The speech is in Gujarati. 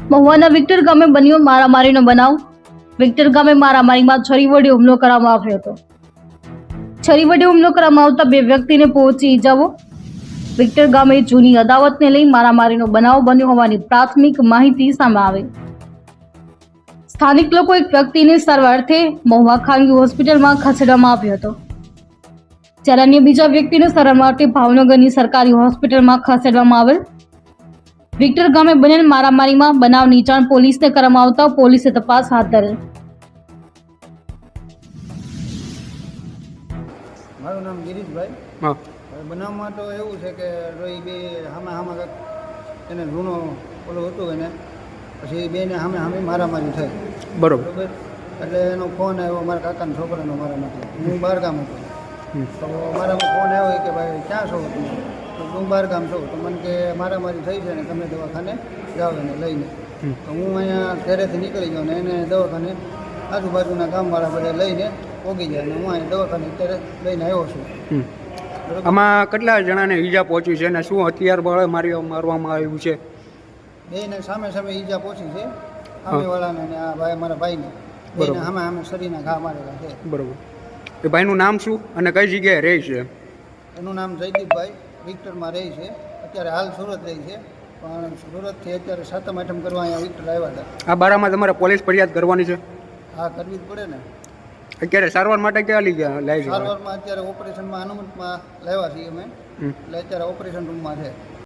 મહુવાના વિક્ટર ગામે બન્યો મારામારીનો બનાવ। વિક્ટર ગામે મારામારીમાં છરી વડે હુમલો કરવામાં આવ્યો હતો। છરી વડે હુમલો કરવામાં આવતા બે વ્યક્તિને પહોંચી ઇજાઓ। વિક્ટર ગામે જૂની અદાવતને લઈ મારામારીનો બનાવ બન્યો હોવાની પ્રાથમિક માહિતી સામે આવી। સ્થાનિક લોકો એક વ્યક્તિને સારવારથી મહુવા ખાનગી હોસ્પિટલમાં ખસેડવામાં આવ્યો હતો, જ્યારે અન્ય બીજા વ્યક્તિને સારવાર માટે ભાવનગરની સરકારી હોસ્પિટલમાં ખસેડવામાં આવેલ। વિક્ટર ગામે બનેલ મારામારીમાં બનાવની જાણ પોલીસને કરવામાં આવતા પોલીસે તપાસ હાથ ધરેલ। મારું નામ ગિરીશભાઈ। હા હવે બનાવમાં તો એવું છે કે રોઈ બે હામાં એને જૂનો ઓલો હતું એને પછી બેને સામે મારામારી થઈ બરોબર બરાબર। એટલે એનો ફોન આવ્યો મારા કાકાના છોકરાનો મારામાંથી, હું બહારગામ હતો તો મારામાં ફોન આવ્યો કે ભાઈ ક્યાં છો તમે? તો હું બહારગામ છું તો મને કે મારામારી થઈ છે ને તમે દવાખાને જાઓ એને લઈને। તો હું અહીંયા ઘરેથી નીકળી ગયો ને એને દવાખાને આજુબાજુના ગામવાળા બધા લઈને પોગી જાય અને હું અહીંયા દવાખાને અત્યારે લઈને આવ્યો છું। આમાં કેટલા જણાને ઈજા પહોંચી છે અને શું હથિયાર બળે મારવામાં આવ્યું છે? બેને સામે ઈજા પહોંચી છે, સામેવાળાને અને આ ભાઈ મારા ભાઈને બેને સામે શરીરના ઘા મારેલા છે। બરોબર, એ ભાઈનું નામ શું અને કઈ જગ્યાએ રહે છે? એનું નામ જયદીપભાઈ, વિક્ટરમાં રહે છે, અત્યારે હાલ સુરત રહે છે, પણ સુરતથી અત્યારે 7મ 8મ કરવા અહીંયા વિક્ટર આવ્યા હતા। આ બારામાં તમારે પોલીસ ફરિયાદ કરવાની છે? હા, કરવી જ પડે ને। અત્યારે સારવાર માટે ક્યાં લઈ ગયા લાવી છે? સારવારમાં અત્યારે ઓપરેશનમાં અનુમતમાં લાવ્યા છીએ અમે, એટલે અત્યારે ઓપરેશન રૂમમાં છે।